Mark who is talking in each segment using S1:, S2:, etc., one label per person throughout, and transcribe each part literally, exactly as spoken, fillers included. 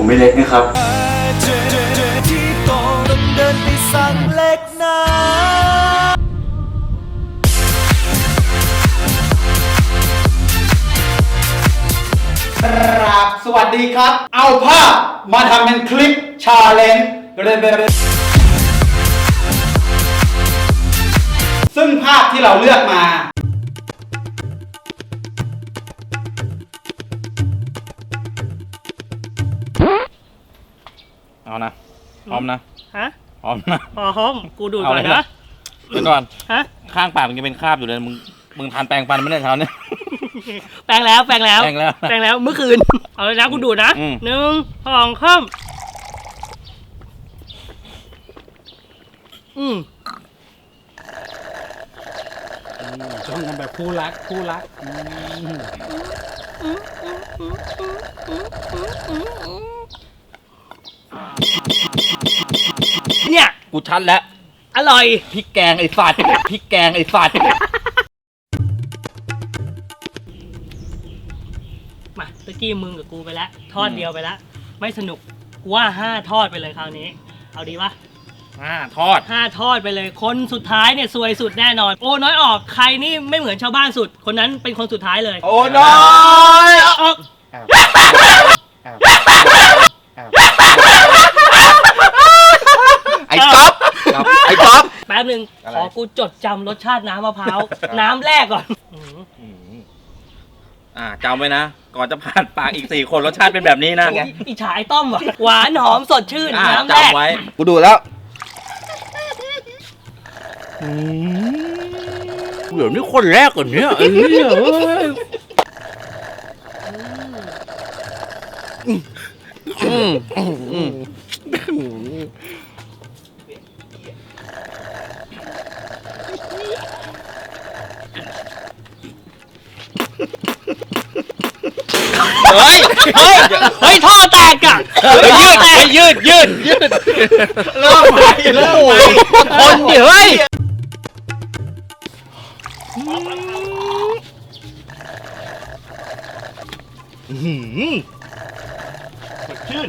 S1: ไม่เล็กนะครับ
S2: ที่ต้องเดินไปสั่งเล็กนะครับสวัสดีครับเอาภาพมาทำเป็นคลิปชาเลนจ์ซึ่งภาพที่เราเลือกมา
S3: เอานะพร้อมนะ
S4: ฮะ
S3: พร้อมนะ
S4: พร้อมกูดูดก่อนนะ
S3: เดี๋ยวก่อน
S4: ฮะ
S3: ข้างปากมันยังเป็นคราบอยู่เลยมึงมึงทานแปรงฟันไม่ได้เช้าเนี่ย
S4: แปรงแล้วแปรงแล้ว
S3: แปรงแล้ว
S4: แปรงแล้วเมื่อคืนเอาเลยนะกูดูดนะหนึ่งสองสามอืม
S2: จ้องกันแบบคู่รักคู่รัก
S4: เนี่ย
S3: กูชัดแล้ว
S4: อร่อย
S3: พริกแกงไอ้สัตว์พริกแกงไอ้สัตว์
S4: มาตะกี้มึงกับกูไปแล้วทอดเดียวไปแล้วไม่สนุกกูว่าห้าทอดไปเลยคราวนี้เอาดีปะ
S3: ห้าทอด
S4: ห้าทอดไปเลยคนสุดท้ายเนี่ยซวยสุดแน่นอนโอ้น้อยออกใครนี่ไม่เหมือนชาวบ้านสุดคนนั้นเป็นคนสุดท้ายเลย
S3: โอ้น้อย
S4: ออก
S3: ไอ้ก๊อฟไอ้ก๊อฟ
S4: แป๊บนึงขอกูจดจำรสชาติน้ำมะพร้าวน้ำแรกก่อน
S3: อ่าจำไว้นะก่อนจะผ่านปากอีกสี่คนรสชาติเป็นแบบนี้นะ
S4: อีฉายต้มว่ะหวานหอมสดชื่นน้ำแรก
S3: จำไว้กูดูแล้วเดี๋ยวนี้คนแรกก่อนเนี้ยไอ้เนี่ยเฮ้ย
S4: เฮ้ยเฮ้ยท่อแตกอ่ะ
S3: ยืดไปยืดยืดยืด
S2: เริ่มใหม่เริ่มใหม่
S3: คนเดี๋ยวเฮ้ยสดชื่น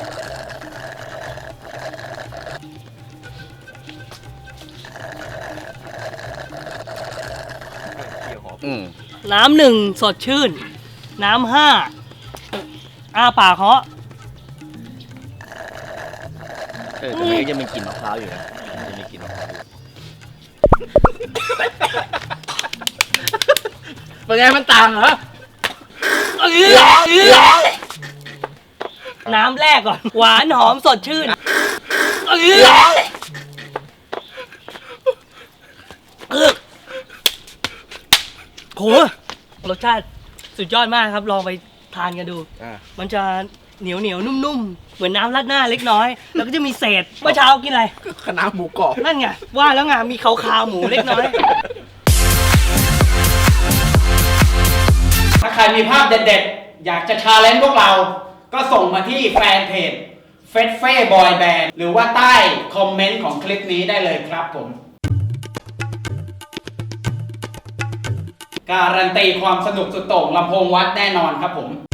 S4: น้ำหนึ่งสดชื่นน้ำห้าอ้าปากเหาะ
S3: เออแต่มันยังมีกลิ่นมะพร้าวอยู่นะมันจะมีกลิ่นมะพร้าวอยู่เป็นไงมันต่างเหรอ
S4: น้ำแรกก่อนหวานหอมสดชื่นโหรสชาติสุดยอดมากครับลองไปทานกันดูมันจะเหนียวเหนียวนุ่มๆเหมือนน้ำราดหน้าเล็กน้อยแล้วก็จะมีเศษเมื่อเช้ากินอะไร
S3: คะน้าหมูกรอบ
S4: นั่นไงว่าแล้วไงมีขาวๆหมูเล็กน้อย
S2: ถ้าใครมีภาพเด็ดๆอยากจะชาเลนจ์พวกเราก็ส่งมาที่แฟนเพจเฟสเฟ่บอยแบนด์หรือว่าใต้คอมเมนต์ของคลิปนี้ได้เลยครับผมการันตีความสนุกสุดโต่งลำโพงวัดแน่นอนครับผม